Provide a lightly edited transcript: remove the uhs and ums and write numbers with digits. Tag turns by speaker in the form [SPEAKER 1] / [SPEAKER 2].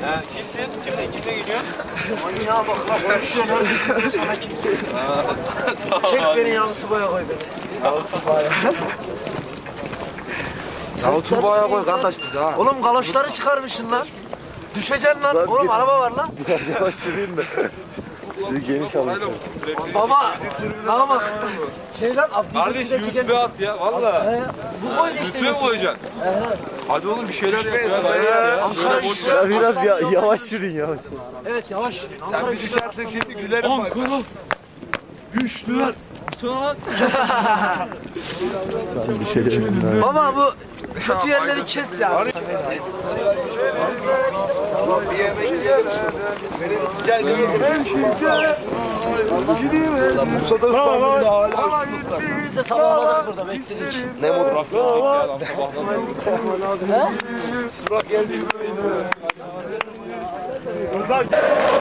[SPEAKER 1] Kimsin? Kimle geliyorsun?
[SPEAKER 2] Manyağa bak lan konuşuyor. Neredesin sana kimse. Çek beni Yavutuba'ya koy beni.
[SPEAKER 3] Yavutuba'ya koy kardeş bizi ha.
[SPEAKER 2] Oğlum galoşları çıkarmışsın lan. Düşeceksin lan. Oğlum araba var lan.
[SPEAKER 3] Yavaş yürüyün de. Sizi geniş alın.
[SPEAKER 2] Baba. Bak. Şey lan
[SPEAKER 1] Kardeş YouTube'a at ya valla.
[SPEAKER 2] Bu koydu işte.
[SPEAKER 1] YouTube'a koyacaksın. Hadi oğlum bir şeyler yap ya.
[SPEAKER 2] Ankara güçlü.
[SPEAKER 3] Ya biraz yavaş yürüyün yavaş.
[SPEAKER 2] Evet yavaş yürüyün.
[SPEAKER 3] Sen
[SPEAKER 2] Ankara
[SPEAKER 3] bir
[SPEAKER 2] güçlü.
[SPEAKER 3] düşersin şimdi gülerim bak.
[SPEAKER 1] Ankara güçlüler.
[SPEAKER 3] Ben bir şey demem.
[SPEAKER 2] Baba bu kötü yerleri kes ya.
[SPEAKER 3] Bursa'da İstanbul'da hala üstümüzde.
[SPEAKER 2] Biz de sabahladık burada bekledik.
[SPEAKER 3] Ne mutlu.
[SPEAKER 2] He?
[SPEAKER 3] Burak geldi.